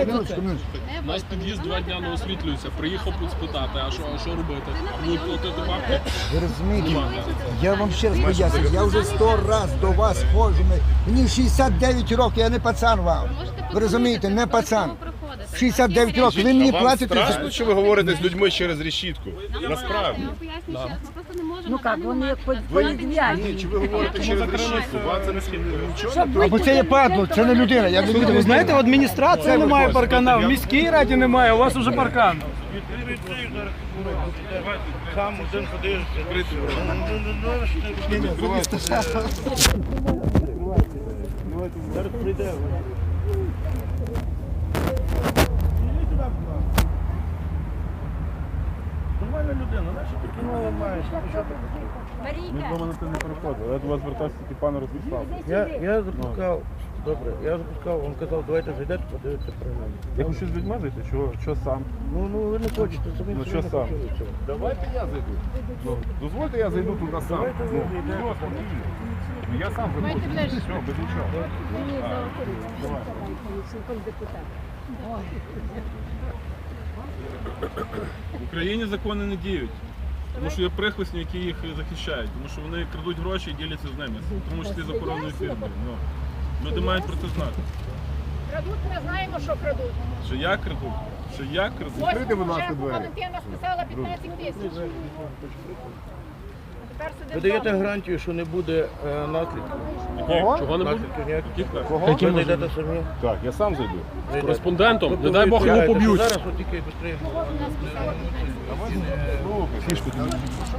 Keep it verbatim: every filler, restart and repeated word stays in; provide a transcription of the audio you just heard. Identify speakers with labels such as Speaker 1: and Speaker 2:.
Speaker 1: Минуточку, минуточку.
Speaker 2: У нас під'їзд два дня не освітлюється. Приїхав тут спитати, а що, а що робити? Будуть платити бабки?
Speaker 1: Ви розумієте, я вам ще раз поясню, я вже сто раз до вас ходжу, мені шістдесят дев'ять років, я не пацан вам. Ви розумієте, не пацан. шістдесят дев'ять років, ви мені
Speaker 3: Вам
Speaker 1: платите.
Speaker 3: страшно, що ви говорите з людьми через решітку? Насправді.
Speaker 4: Ну як, вони як
Speaker 3: Ви,
Speaker 4: політв'язні.
Speaker 3: ні, чи ви говорите через решітку? Вам це не нічого не
Speaker 1: Або це є падло, це не людина. Я не
Speaker 5: Ви знаєте, в адміністрації немає паркана, в міській раді немає, у вас уже паркан.
Speaker 6: Сам один ходиш, зараз прийде. Нормальна людина, наша ти кіно маєш.
Speaker 4: Марійка,
Speaker 7: До мене це не переходить. Я до вас звертався тільки пане Ростислав.
Speaker 6: Я, я запускав, добре, я запускав, він казав, давайте зайдете, подивитися про мене.
Speaker 7: Я хочу з людьми зайти, що, що сам?
Speaker 6: Ну, ну ви не хочете, самі
Speaker 7: Ну,
Speaker 6: собі
Speaker 7: що
Speaker 6: не
Speaker 7: сам?
Speaker 6: хочете цього.
Speaker 3: Давайте я зайду. Ну, дозвольте, я зайду туди сам.
Speaker 6: Давайте
Speaker 3: Ну,
Speaker 6: ви зайдете.
Speaker 3: все, спокійно. Ну, я сам зайду. Все, без нічого.
Speaker 2: В Україні закони не діють. Тому що є прихвостні, які їх захищають. Тому що вони крадуть гроші і діляться з ними. В тому числі з охоронною фірмою. Ну, люди мають про це знати.
Speaker 8: Крадуть, ми знаємо, що крадуть.
Speaker 2: Що я краду, що я краду.
Speaker 3: Відкрийте, будь ласка,
Speaker 8: Вже
Speaker 3: двері.
Speaker 8: Валентина списала п'ятнадцять тисяч. А тепер сидимо
Speaker 6: Ви даєте
Speaker 8: вдома.
Speaker 6: гарантію, що не буде е, наслідків?
Speaker 2: Кого? Чого не буде?
Speaker 6: Наслідків ніяких?
Speaker 2: Яких так?
Speaker 6: Ви зайдете самі?
Speaker 3: Так, я сам зайду.
Speaker 6: Зайдете.
Speaker 2: Кореспондентом?
Speaker 6: Тобто
Speaker 2: Не дай
Speaker 6: ви
Speaker 2: Бог його
Speaker 6: тягаєте,
Speaker 2: поб'ють.
Speaker 6: що Зараз от тільки швидше.
Speaker 3: Фішку тобі.